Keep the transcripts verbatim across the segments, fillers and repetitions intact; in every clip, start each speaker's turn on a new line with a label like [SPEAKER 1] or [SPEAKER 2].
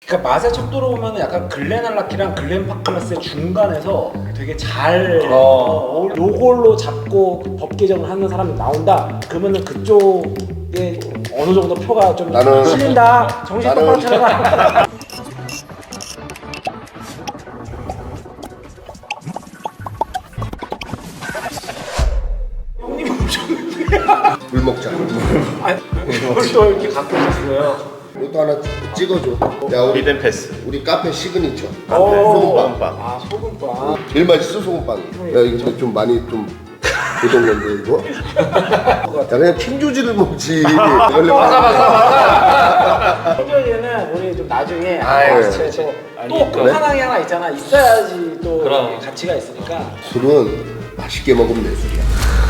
[SPEAKER 1] 그러니까 맛의 척도로 보면 약간 글렌알라키랑 글렌파클라스의 중간에서 되게 잘
[SPEAKER 2] 어.
[SPEAKER 1] 어, 요걸로 잡고 법 개정을 하는 사람이 나온다. 그러면은 그쪽에 어느 정도 표가 좀
[SPEAKER 3] 나는-
[SPEAKER 1] 실린다. 정신
[SPEAKER 3] 나는-
[SPEAKER 1] 똑바로 차려라. 형님 오셨는데.
[SPEAKER 3] 물 먹자.
[SPEAKER 1] 아니, 이걸 또 이렇게 갖고 오셨어요.
[SPEAKER 3] 이것도 하나 찍어줘. 야 우리
[SPEAKER 2] 히든 패스.
[SPEAKER 3] 우리 카페 시그니처.
[SPEAKER 1] 오.
[SPEAKER 3] 소금빵.
[SPEAKER 1] 아 소금빵.
[SPEAKER 3] 제일 맛있어 소금빵. 야 이거 근데 좀 많이 좀 보던 건데 이거. 야 그냥 킹조지를 먹지. 원래
[SPEAKER 2] 맞아 맞아 맞아.
[SPEAKER 1] 현저히는 우리 좀 나중에
[SPEAKER 2] 아유,
[SPEAKER 1] 또
[SPEAKER 2] 제- 제-
[SPEAKER 1] 또
[SPEAKER 2] 아니,
[SPEAKER 1] 끝판왕이 하나 있잖아. 있어야지 또
[SPEAKER 2] 그럼.
[SPEAKER 1] 가치가 있으니까.
[SPEAKER 3] 술은 맛있게 먹으면 내 술이야.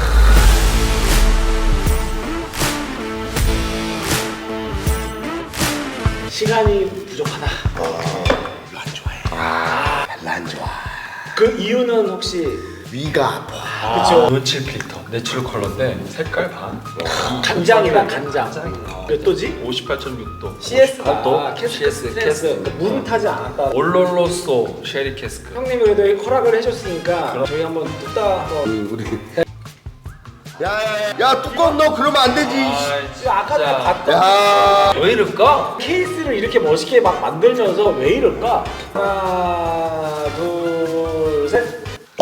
[SPEAKER 1] 시간이 부족하다.
[SPEAKER 3] 별로 안 좋아해. 아 별로 안 좋아.
[SPEAKER 1] 그 이유는 혹시
[SPEAKER 3] 위가 아파.
[SPEAKER 1] 그쵸.
[SPEAKER 2] 노칠 필터, 내추럴 컬러인데 색깔 봐.
[SPEAKER 1] 간장이다 간장. 몇 도지?
[SPEAKER 2] 오십팔 점 육 도.
[SPEAKER 1] 씨에스가
[SPEAKER 2] 도.
[SPEAKER 1] 캐스크
[SPEAKER 2] 씨에스
[SPEAKER 1] 스트레스.
[SPEAKER 2] 캐스크.
[SPEAKER 1] 물은 타지 않았다.
[SPEAKER 2] 올롤로소 쉐리 캐스크.
[SPEAKER 1] 형님이 그래도 허락을 해줬으니까 저희 한번 뚝딱 한번.
[SPEAKER 3] 그 우리. 야야야 야 뚜껑 넣어 그러면 안 되지.
[SPEAKER 1] 지금 아까 다 봤던
[SPEAKER 3] 야.
[SPEAKER 2] 왜 이럴까?
[SPEAKER 1] 케이스를 이렇게 멋있게 막 만들면서 왜 이럴까? 하나 둘 셋.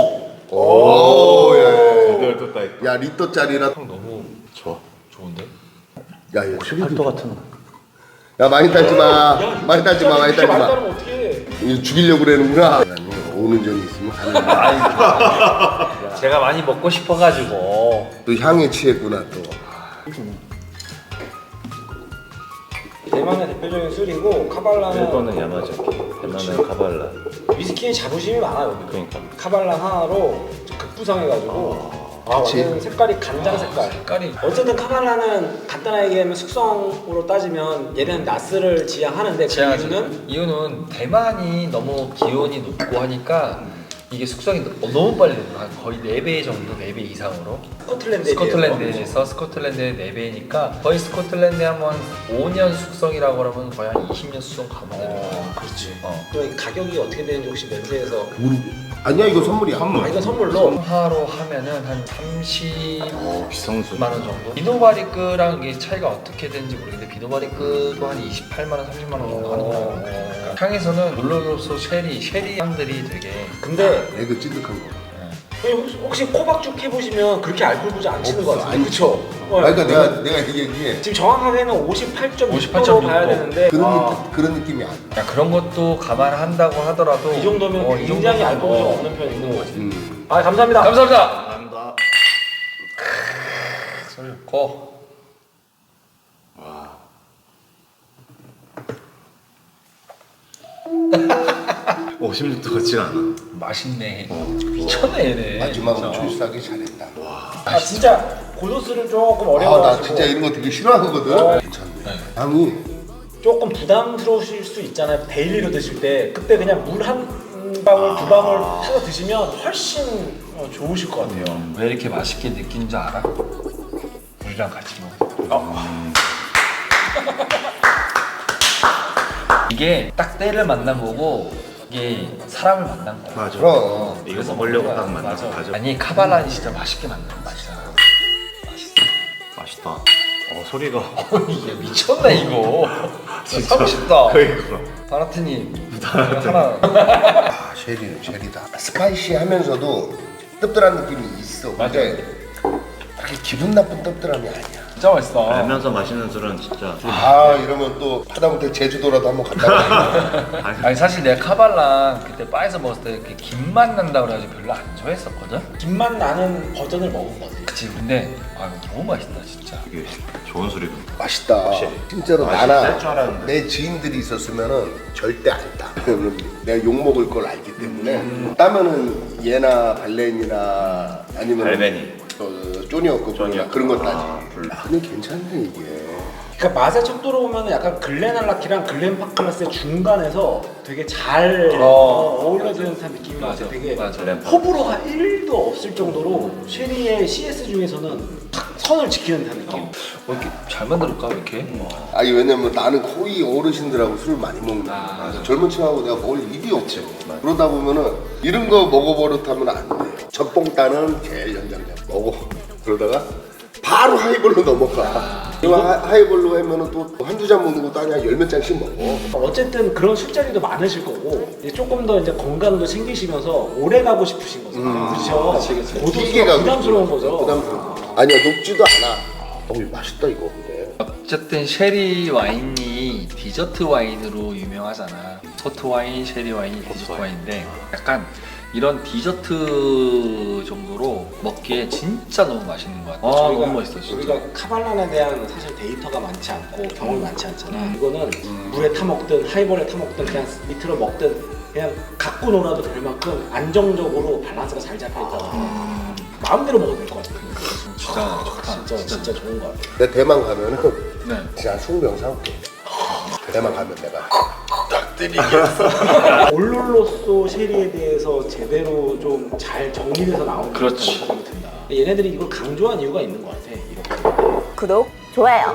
[SPEAKER 3] 오.
[SPEAKER 2] 이걸 떴다.
[SPEAKER 3] 야 리터짜리라.
[SPEAKER 2] 형 너무 좋아. 좋은데?
[SPEAKER 3] 야 이거 팔도 같은 거. 야 많이 따지 마. 많이 따지 마. 많이 따지
[SPEAKER 1] 많이
[SPEAKER 3] 마.
[SPEAKER 1] 따르면 어떡해.
[SPEAKER 3] 이거 죽이려고 그러는구나. 오는 점이 있으면 가는 거야.
[SPEAKER 2] 제가 많이 먹고 싶어가지고.
[SPEAKER 3] 또 향에 취했구나 또.
[SPEAKER 1] 대만의 대표적인 술이고 카발라는
[SPEAKER 4] 일본은 야마자키, 대만은 카발라.
[SPEAKER 1] 위스키에 자부심이 많아요.
[SPEAKER 4] 그러니까.
[SPEAKER 1] 카발라 하나로 급부상해가지고 아,
[SPEAKER 3] 그치.
[SPEAKER 1] 완전 색깔이 간장 색깔.
[SPEAKER 2] 색깔이
[SPEAKER 1] 어쨌든 카발라는 간단하게 얘기하면 숙성으로 따지면 얘는 나스를 지향하는데 그
[SPEAKER 2] 제하지.
[SPEAKER 1] 이유는
[SPEAKER 2] 이유는 대만이 너무 기온이 높고 하니까 이게 숙성이 너- 너무 빨리 돼요. 한 거의 네 배 정도, 네 배 이상으로.
[SPEAKER 1] 스코틀랜드에
[SPEAKER 2] 스코틀랜드에서 스코틀랜드의 네 배니까 거의 스코틀랜드에 한번 오 년 숙성이라고 그러면 거의 한 이십 년 숙성 가면 되는 거예요.
[SPEAKER 1] 어, 그렇지.
[SPEAKER 2] 어.
[SPEAKER 1] 그럼 가격이 어떻게 되는지 혹시 멘트에서
[SPEAKER 3] 우리 아니야 이거 선물이야.
[SPEAKER 1] 아 이건 선물로
[SPEAKER 2] 하로 하면은 한 삼십만
[SPEAKER 4] 오, 비싼 술.
[SPEAKER 2] 원 정도. 비노바리크랑 이게 차이가 어떻게 되는지 모르겠는데 비노바리크도 한 이십팔만 원, 삼십만 원 정도 하는 거예요. 그러니까 향에서는 올로로소 쉐리, 쉐리 향들이 되게
[SPEAKER 1] 근데
[SPEAKER 3] 이거 찐득한 거.
[SPEAKER 1] 혹시, 혹시 코박죽 해보시면 그렇게 알코올 부자 안 치는 거 같아요.
[SPEAKER 3] 아니,
[SPEAKER 1] 그쵸? 어,
[SPEAKER 3] 그러니까 내가 내가 얘기해.
[SPEAKER 1] 지금 정확하게는 오십팔 점 육
[SPEAKER 2] 오십팔
[SPEAKER 1] 도로
[SPEAKER 2] 점 육
[SPEAKER 1] 봐야
[SPEAKER 2] 도.
[SPEAKER 1] 되는데
[SPEAKER 3] 그런
[SPEAKER 1] 아,
[SPEAKER 3] 느낌, 그런 느낌이 아니야.
[SPEAKER 2] 야, 그런 것도 감안한다고 하더라도
[SPEAKER 1] 이 정도면
[SPEAKER 2] 어, 이
[SPEAKER 1] 굉장히
[SPEAKER 2] 정도면,
[SPEAKER 1] 알코올 좀
[SPEAKER 2] 어.
[SPEAKER 1] 없는 편이 있는 거지.
[SPEAKER 3] 음.
[SPEAKER 1] 아 감사합니다.
[SPEAKER 2] 감사합니다.
[SPEAKER 4] 감사합니다.
[SPEAKER 2] 술 고.
[SPEAKER 4] 오십육 도 같지가 않아.
[SPEAKER 2] 맛있네. 미쳤네 얘네.
[SPEAKER 3] 마지막으로
[SPEAKER 2] 진짜.
[SPEAKER 3] 초이스하기 잘했다.
[SPEAKER 1] 아 진짜 고도수를 조금
[SPEAKER 3] 아 나
[SPEAKER 1] 어려워가지고
[SPEAKER 3] 진짜 이런 거 되게 싫어하거든.
[SPEAKER 1] 어.
[SPEAKER 3] 괜찮네. 향이
[SPEAKER 1] 조금 부담스러우실 수 있잖아요. 데일리로 드실 때 그때 그냥 물 한 방울 두 방울 타서 드시면 훨씬 어, 좋으실 것 같아요.
[SPEAKER 2] 왜 이렇게 맛있게 느낀 줄 알아? 우리랑 같이 먹어. 이게 딱 때를 만나보고 이게 사람을 만난 거야.
[SPEAKER 4] 맞아.
[SPEAKER 3] 그럼.
[SPEAKER 4] 이거 먹으려고 딱 만난
[SPEAKER 2] 맞아.
[SPEAKER 4] 거 맞아.
[SPEAKER 2] 아니 카발란이 진짜 맛있게 만든 맛이잖아.
[SPEAKER 4] 맛있다. 어 소리가.
[SPEAKER 2] 이게 미쳤네 이거. 진짜 사고 싶다.
[SPEAKER 4] 그러니까.
[SPEAKER 2] 바라트님 하나.
[SPEAKER 3] 아 쉐리는 쉐리다. 스파이시하면서도 뜨뜻한 느낌이 있어. 근데 그렇게 기분 나쁜 뜨뜻함이 아니야.
[SPEAKER 2] 진짜 맛있어.
[SPEAKER 4] 알면서 마시는 술은 진짜.
[SPEAKER 3] 아 이러면 또 하다못해 제주도라도 한번 갔다 와.
[SPEAKER 2] 아니 사실 내가 카발란 그때 바에서 먹었을 때 이렇게 김맛 난다 그래가지고 별로 안 좋아했었거든.
[SPEAKER 1] 김맛 나는 버전을 먹은 거지.
[SPEAKER 2] 그치. 근데 아 이거 너무 맛있다 진짜.
[SPEAKER 4] 이게 좋은 술이군.
[SPEAKER 3] 맛있다.
[SPEAKER 4] 확실히.
[SPEAKER 3] 진짜로
[SPEAKER 4] 맛이
[SPEAKER 3] 나나
[SPEAKER 4] 날 줄 알았는데.
[SPEAKER 3] 내 지인들이 있었으면은 절대 안 따. 왜냐면 내가 욕 먹을 걸 알기 때문에 따면은 얘나 발렌이나 아니면
[SPEAKER 4] 발렌이.
[SPEAKER 3] 어, 쪼니어급
[SPEAKER 4] 쪼니어급.
[SPEAKER 3] 그런 거 따지.
[SPEAKER 4] 아, 불-
[SPEAKER 3] 아, 근데 괜찮네 이게.
[SPEAKER 1] 그러니까 맛의 척도로 보면 약간 글렌알라키랑 글렌파클라스의 중간에서 되게 잘
[SPEAKER 2] 어.
[SPEAKER 1] 어, 어울려지는 듯한 느낌이
[SPEAKER 2] 맞아,
[SPEAKER 1] 나서 되게
[SPEAKER 2] 맞아.
[SPEAKER 1] 호불호가 일도 없을 정도로 쉐리의 씨에스 중에서는 탁 선을 지키는 듯한 느낌.
[SPEAKER 2] 어, 이렇게 잘 만들었까 이렇게?
[SPEAKER 3] 아니 왜냐면 나는 거의 어르신들하고 술을 많이 먹는 거야.
[SPEAKER 2] 아,
[SPEAKER 3] 그래서 젊은 층하고 내가 먹을 일이 없죠. 그러다 보면은 이런 거 먹어버릇하면 안 돼. 첫봉 따는 제일 연장자 먹어. 그러다가 바로 하이볼로 넘어가. 그리고 하- 하이볼로 하면은 또 한두 잔 먹는 것도 아니야. 열 몇 잔씩 먹어.
[SPEAKER 1] 어쨌든 그런 술자리도 많으실 거고 이제 조금 더 이제 건강도 챙기시면서 오래 가고 싶으신 거죠. 그렇죠.
[SPEAKER 3] 길게
[SPEAKER 1] 고도수가
[SPEAKER 3] 가고
[SPEAKER 1] 부담스러운
[SPEAKER 3] 싶어.
[SPEAKER 1] 거죠.
[SPEAKER 3] 부담스러워. 아니야 녹지도 않아. 어 이거 맛있다 이거 근데.
[SPEAKER 2] 어쨌든 쉐리 와인이 디저트 와인으로 유명하잖아. 소트 와인, 쉐리 와인, 디저트 와인인데 약간 이런 디저트 정도로 먹기에 진짜 너무 맛있는 것 같아. 아,
[SPEAKER 1] 저희가-
[SPEAKER 2] 너무 맛있어 진짜.
[SPEAKER 1] 우리가 카발란에 대한 사실 데이터가 많지 않고 경험이 많지 않잖아. 이거는 물에 타 먹든 하이볼에 타 먹든 그냥 밑으로 먹든 그냥 갖고 놀아도 될 만큼 안정적으로 밸런스가 잘 잡혀 있다고 음. 마음대로 먹어도 될 것 같아.
[SPEAKER 2] 진짜 좋다.
[SPEAKER 1] 진짜 진짜 좋은 것 같아.
[SPEAKER 3] 내 대만 가면은
[SPEAKER 2] 네.
[SPEAKER 3] 진짜 이십 병 사올게. 대만 가면 내가
[SPEAKER 1] 올롤로소 쉐리에 대해서 제대로 좀 잘 정리돼서 나온
[SPEAKER 2] 그렇지.
[SPEAKER 1] 생각이 든다. 얘네들이 이걸 강조한 이유가 있는 것 같아. 이렇게.
[SPEAKER 5] 구독, 좋아요.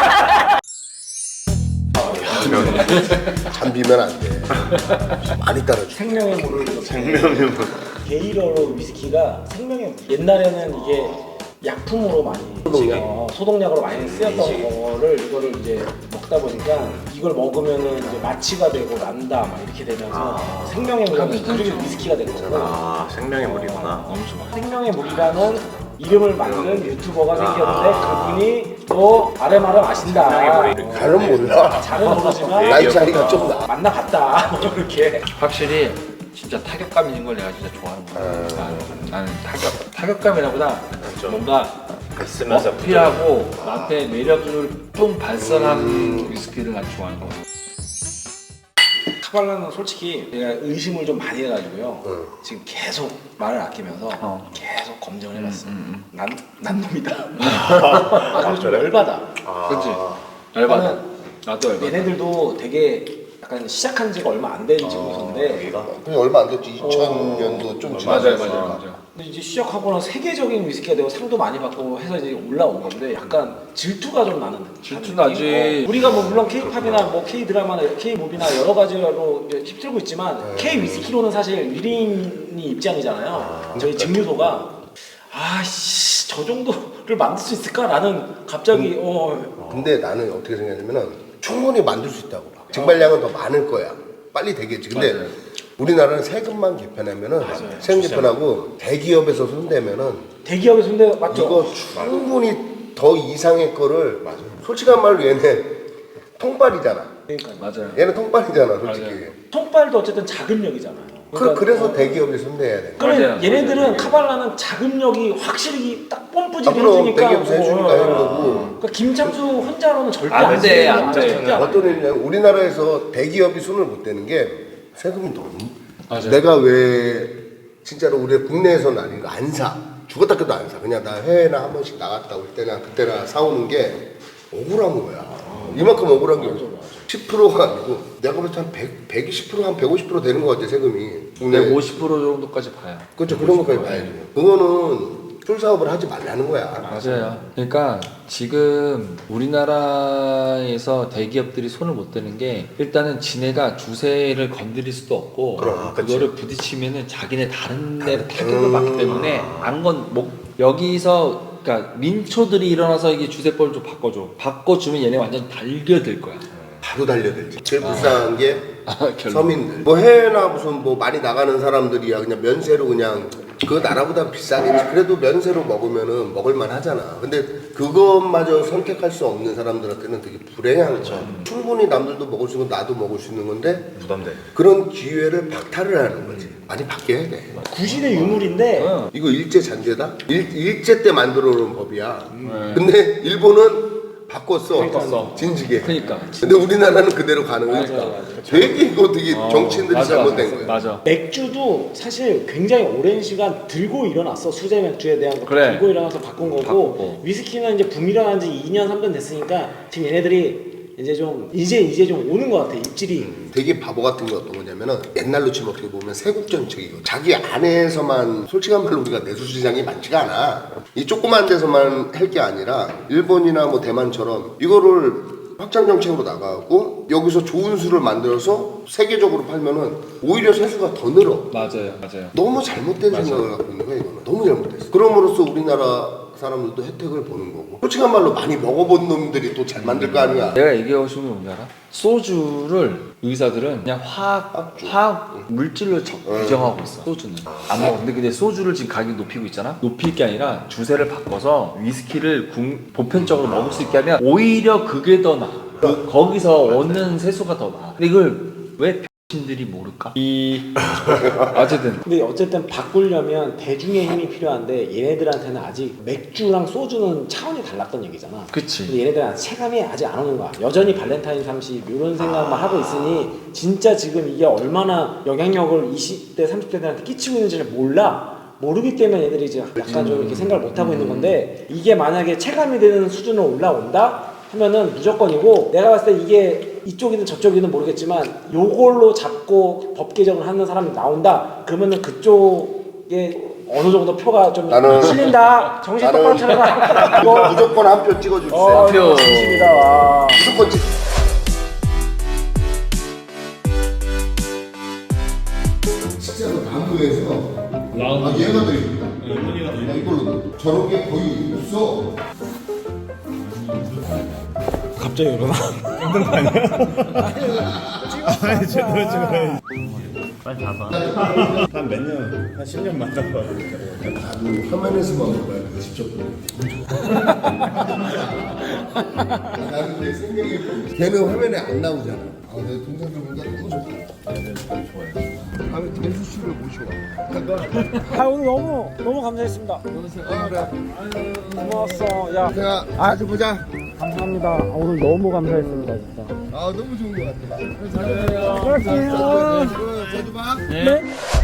[SPEAKER 3] 잠비면 안 돼. 많이 따라줘.
[SPEAKER 1] 생명의 물을 생명의 물. 게이러로 위스키가 생명의 물. 옛날에는 이게 약품으로 많이
[SPEAKER 3] 소독약?
[SPEAKER 1] 어, 소독약으로 많이 쓰였던 거를 이거를 이제 먹다 보니까 이걸 먹으면은 이제 마취가 되고 난다 막 이렇게 되면서 생명의 물이 그렇게 위스키가 된 거고
[SPEAKER 4] 아 생명의 물이구나.
[SPEAKER 2] 너무 좋아.
[SPEAKER 1] 생명의 물이라는 이름을 만든 유튜버가 생겼는데 그분이 또 아름아름 아신다.
[SPEAKER 4] 생명의 물이
[SPEAKER 1] 어,
[SPEAKER 3] 잘은 몰라.
[SPEAKER 1] 잘은 모르지만
[SPEAKER 3] 나이 차이가 좀 나.
[SPEAKER 1] 만나봤다. 뭐 이렇게.
[SPEAKER 2] 확실히 진짜 타격감 있는 걸 내가 진짜 좋아하는 거야. 나는, 나는 타격 타격감이라보다 뭔가
[SPEAKER 4] 있으면서
[SPEAKER 2] 어필하고 나한테 매력을 뿜 발산하는 위스키를 난 좋아하는 거야.
[SPEAKER 1] 카발라는 솔직히 제가 의심을 좀 많이 해가지고요.
[SPEAKER 3] 응.
[SPEAKER 1] 지금 계속 말을 아끼면서
[SPEAKER 2] 어.
[SPEAKER 1] 계속 검증을 해봤어.
[SPEAKER 2] 음,
[SPEAKER 1] 난, 난 놈이다. 아, 근데 좀 열받아.
[SPEAKER 2] 그렇지. 열받아.
[SPEAKER 1] 나는
[SPEAKER 2] 나도 열받아.
[SPEAKER 1] 얘네들도 되게 약간 시작한 지가 얼마 안 된 증거인데
[SPEAKER 4] 여기가
[SPEAKER 3] 그게 얼마 안 됐지. 이천 년도 좀 지났어.
[SPEAKER 2] 맞아요, 맞아요, 맞아요.
[SPEAKER 1] 근데 이제 시작하고는 세계적인 위스키가 되고 상도 많이 받고 해서 이제 올라온 건데 약간 질투가 좀 나는
[SPEAKER 2] 질투
[SPEAKER 1] 나는
[SPEAKER 2] 나지.
[SPEAKER 1] 느낌? 어, 우리가 뭐 물론 K-팝이나 뭐 K-드라마나 K-무비나 여러 가지로 이제 휩쓸고 있지만 K-위스키로는 사실 일 인이 입장이잖아요. 저희 증류소가 아씨 저 정도를 만들 수 있을까라는 갑자기 어
[SPEAKER 3] 근데 나는 어떻게 생각하냐면은 충분히 만들 수 있다고 봐. 증발량은 더 많을 거야. 빨리 되겠지. 근데
[SPEAKER 2] 맞아요.
[SPEAKER 3] 우리나라는 세금만 개편하면은 세금 개편하고 대기업에서 손대면은
[SPEAKER 1] 대기업의 손대 맞죠?
[SPEAKER 3] 이거 충분히 더 이상의 거를 솔직한 말로 얘네 통발이잖아.
[SPEAKER 1] 그러니까
[SPEAKER 2] 맞아요.
[SPEAKER 3] 얘는 통발이잖아, 솔직히.
[SPEAKER 2] 맞아요.
[SPEAKER 1] 통발도 어쨌든 자금력이잖아요.
[SPEAKER 3] 그, 그래서
[SPEAKER 1] 어,
[SPEAKER 3] 대기업이 손대야 돼.
[SPEAKER 1] 그래
[SPEAKER 2] 맞아요.
[SPEAKER 1] 얘네들은
[SPEAKER 2] 맞아요.
[SPEAKER 1] 카발라는 자금력이 확실히 딱 뽐뿌지
[SPEAKER 3] 아, 그럼
[SPEAKER 1] 해주니까
[SPEAKER 3] 대기업에서 해주니까
[SPEAKER 1] 어,
[SPEAKER 3] 하는
[SPEAKER 1] 어.
[SPEAKER 3] 거고.
[SPEAKER 1] 그러니까 김창수 혼자로는 절대
[SPEAKER 2] 안
[SPEAKER 1] 안
[SPEAKER 2] 돼,
[SPEAKER 1] 돼,
[SPEAKER 2] 안 돼.
[SPEAKER 1] 절대 안 돼.
[SPEAKER 3] 어떤 일이냐면 우리나라에서 대기업이 손을 못 대는 게 세금이 너무.
[SPEAKER 2] 맞아요.
[SPEAKER 3] 내가 왜 진짜로 우리 국내에서는 아닌 거 안 사. 죽었다 깨도 안 사. 그냥 나 해외나 한 번씩 나갔다 올 때나 그때나 사오는 게 억울한 거야. 이만큼 억울한 게 없어. 십 퍼센트가 아니고 내가 볼 때 한 백, 백이십 퍼센트 한 백오십 퍼센트 되는 것 같아 세금이. 국내.
[SPEAKER 2] 백오십 퍼센트 정도까지 봐요.
[SPEAKER 3] 그렇죠. 그런 것까지 봐야지. 그거는 술 사업을 하지 말라는 거야.
[SPEAKER 2] 맞아요. 그러니까 지금 우리나라에서 대기업들이 손을 못 대는 게 일단은 지네가 주세를 건드릴 수도 없고
[SPEAKER 3] 그럼,
[SPEAKER 2] 그거를 부딪히면은 자기네 다른 데 타격을 받기 때문에 안건 목 여기서 그러니까 민초들이 일어나서 이게 주세법을 좀 바꿔줘. 바꿔주면 얘네 완전 달겨들 거야.
[SPEAKER 3] 바로 달려들지. 제일 불쌍한 게
[SPEAKER 2] 결론.
[SPEAKER 3] 서민들. 뭐 해외나 무슨 뭐 많이 나가는 사람들이야 그냥 면세로 그냥 그 나라보다 비싸겠지. 그래도 면세로 먹으면은 먹을만 하잖아. 근데 그것마저 선택할 수 없는 사람들한테는 되게 불행한 거야. 충분히 남들도 먹을 수 있고 나도 먹을 수 있는 건데
[SPEAKER 4] 부담돼.
[SPEAKER 3] 그런 기회를 박탈을 하는 거지. 많이 바뀌어야 돼.
[SPEAKER 1] 구시대 유물인데
[SPEAKER 2] 어.
[SPEAKER 3] 이거 일제 잔재다? 일, 일제 때 만들어 놓은 법이야.
[SPEAKER 2] 네.
[SPEAKER 3] 근데 일본은 바꿨어.
[SPEAKER 1] 바꿨어.
[SPEAKER 3] 진지게.
[SPEAKER 2] 그러니까.
[SPEAKER 3] 근데 우리나라는 그대로 가는 거니까.
[SPEAKER 1] 맞아, 맞아.
[SPEAKER 3] 되게 이거 되게
[SPEAKER 2] 어,
[SPEAKER 3] 정치인들이
[SPEAKER 2] 맞아,
[SPEAKER 3] 잘못된
[SPEAKER 2] 맞아,
[SPEAKER 3] 거야.
[SPEAKER 2] 맞아.
[SPEAKER 1] 맥주도 사실 굉장히 오랜 시간 들고 일어났어. 수제 맥주에 대한 거
[SPEAKER 2] 그래.
[SPEAKER 1] 들고 일어나서 바꾼 거고
[SPEAKER 2] 바꾸고.
[SPEAKER 1] 위스키는 이제 붐 일어난 지 이 년 삼 년 됐으니까 지금 얘네들이 이제 좀 이제 이제 좀 오는 것 같아 입질이.
[SPEAKER 3] 되게 바보 같은 게 어떤 거냐면은 옛날로 치면 어떻게 보면 세국정책이거든. 자기 안에서만 솔직한 말로 우리가 내수시장이 많지가 않아. 이 조그만 데서만 할 게 아니라 일본이나 뭐 대만처럼 이거를 확장 정책으로 나가고 여기서 좋은 수를 만들어서 세계적으로 팔면은 오히려 세수가 더 늘어.
[SPEAKER 2] 맞아요, 맞아요.
[SPEAKER 3] 너무 잘못된 생각을 갖고 있는 거야 이거는. 너무 잘못됐어. 그럼으로써 우리나라 사람들도 혜택을 보는 거고 솔직한 말로 많이 먹어본 놈들이 또 잘 만들 거 아니야.
[SPEAKER 2] 내가 얘기하고 싶은 게 뭔지 알아? 소주를 의사들은 그냥 화학, 화학 물질로 적- 규정하고 있어. 소주는 안 먹어. 근데 근데 소주를 지금 가격 높이고 있잖아. 높일 게 아니라 주세를 바꿔서 위스키를 궁, 보편적으로 먹을 수 있게 하면 오히려 그게 더 나아. 그, 거기서 얻는 세수가 더 나아. 근데 이걸 왜 신들이 모를까? 이 어쨌든
[SPEAKER 1] 근데 어쨌든 바꾸려면 대중의 힘이 필요한데 얘네들한테는 아직 맥주랑 소주는 차원이 달랐던 얘기잖아.
[SPEAKER 2] 그치.
[SPEAKER 1] 근데 얘네들은 체감이 아직 안 오는 거야. 여전히 발렌타인 삼십 이런 생각만 하고 있으니 진짜 지금 이게 얼마나 영향력을 이십 대 삼십 대들한테 끼치고 있는지를 몰라. 모르기 때문에 얘들이 이제 약간 좀 이렇게 생각을 못 하고 있는 건데 이게 만약에 체감이 되는 수준으로 올라온다 하면은 무조건이고 내가 봤을 때 이게 이쪽이든 저쪽이든 모르겠지만 요걸로 잡고 법 개정을 하는 사람이 나온다 그러면은 그쪽에 어느 정도 표가 좀
[SPEAKER 3] 나는-
[SPEAKER 1] 실린다 정신
[SPEAKER 3] 나는-
[SPEAKER 1] 똑바로 차려라 이거
[SPEAKER 3] 무조건 한 표 찍어주세요.
[SPEAKER 1] 어,
[SPEAKER 2] 한 표.
[SPEAKER 1] 진심이다 와.
[SPEAKER 3] 무조건 찍. 진짜로 나무에서 아 얘가 더 이쁘다. 아, 이걸로 저런 게 거의 없어.
[SPEAKER 1] 갑자기 일어나
[SPEAKER 5] 빨리 가봐. 한 몇 년, 한 십 년 만나봐.
[SPEAKER 3] 나도 화면에서만 볼거야 직접 보고. 나는 근데 생명이 걔는 화면에 안 나오잖아. 아, 내 동생들 보니까 너무 좋다. 다음에 대수 씨를 모시고 와.
[SPEAKER 1] 아 오늘 너무 너무 감사했습니다
[SPEAKER 3] 아, 그래.
[SPEAKER 1] 고마웠어 야
[SPEAKER 3] 제가 아주 보자.
[SPEAKER 1] 감사합니다 아, 오늘 너무 감사했습니다 진짜
[SPEAKER 3] 아, 너무 좋은 것 같아.
[SPEAKER 1] 그럴게요
[SPEAKER 3] 자주 봐.
[SPEAKER 1] 네.